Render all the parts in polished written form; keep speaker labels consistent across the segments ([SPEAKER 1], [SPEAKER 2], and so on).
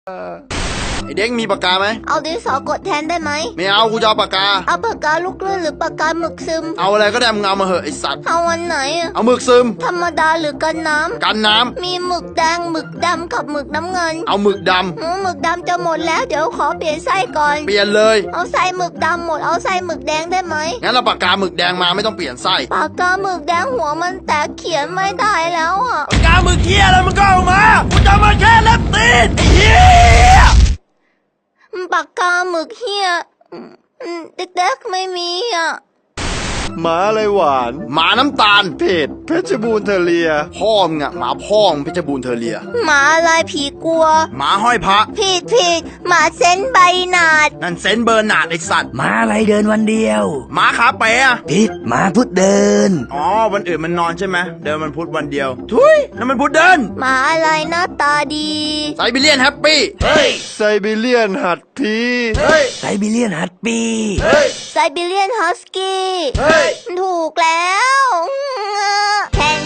[SPEAKER 1] ไอเด็กมีปากกาไหม
[SPEAKER 2] เอาดินสอกดแทนได้ไหม
[SPEAKER 1] ไม่เอากูจะเอาปากกา
[SPEAKER 2] เอาปากกาลูกเลื่อนหรือปากกาหมึกซึม
[SPEAKER 1] เอาอะไรก็ได้มึงเอามาเหอะไอสัตว์
[SPEAKER 2] เอาวันไหน
[SPEAKER 1] เอาหมึกซึม
[SPEAKER 2] ธรรมดาหรือกันน้ำ
[SPEAKER 1] กันน้ำ
[SPEAKER 2] มีหมึกแดงหมึกดำกับหมึกน้ำเงิน
[SPEAKER 1] เอาหมึกด
[SPEAKER 2] หมึกดำจะหมดแล้วเดี๋ยวขอเปลี่ยนไส้ก่อน
[SPEAKER 1] ำเปลี่ยนเลย
[SPEAKER 2] เอาไส้หมึกดำหมดเอาไส้หมึกแดงได้ไหม
[SPEAKER 1] งั้นเราปากกาหมึกแดงมาไม่ต้องเปลี่ยนไส้
[SPEAKER 2] ปากกาหมึกแดงหัวมันแตกเขียนไม่ได้แล้ว
[SPEAKER 1] ปากกาหมึกเหี้ยอะไรมันก็เอามากูจะมาแค่เล็บตีนเหี้ย
[SPEAKER 2] ปากกาหมึกเฮียเด็กๆไม่มี
[SPEAKER 3] หมาอะไรหวาน
[SPEAKER 1] หมาน้ำตาล
[SPEAKER 3] เผ็ดเพชรบูรณ์เทเลีย
[SPEAKER 1] พ่อมึงอะหมาพ่อมึงเพชรบูรณ์เทเลีย
[SPEAKER 2] หมาอะไรผีกลัว
[SPEAKER 1] หมาห้อยพระ
[SPEAKER 2] ผิดหมาเซนใบหนาด
[SPEAKER 1] นั่นเซนเบอร์นาดไอสัตว์
[SPEAKER 4] หมาอะไรเดินวันเดียว
[SPEAKER 1] หมาขาเป๋อะ
[SPEAKER 4] ผิดหมาพุดเดิน
[SPEAKER 1] อ๋อวันอื่นมันนอนใช่ไหมเดินมันพุธวันเดียวทุยนั่นมันพุธเดิน
[SPEAKER 2] หมาอะไรหน้าตาดี
[SPEAKER 1] ไซบีเรียนแฮปปี้
[SPEAKER 3] เฮ้ยไซบีเรียนหัดพี
[SPEAKER 1] เฮ้ย
[SPEAKER 4] ไซบีเรียนฮัตปี้
[SPEAKER 1] เฮ้ย
[SPEAKER 2] ไซบีเรียนฮัสกี้
[SPEAKER 1] เฮ้ย
[SPEAKER 2] ถูกแล้วแทน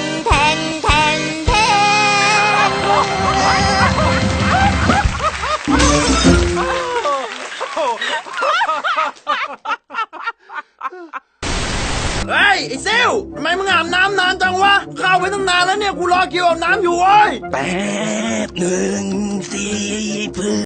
[SPEAKER 1] เฮ้ยไอ้เซลทำไมมึงอาบน้ำนานจังวะเข้าไปตั้งนานแล้วเนี่ยกูรอคิวอาบน้ำอยู่เว้ย
[SPEAKER 4] แป๊บหนึ่งสิเพื่อ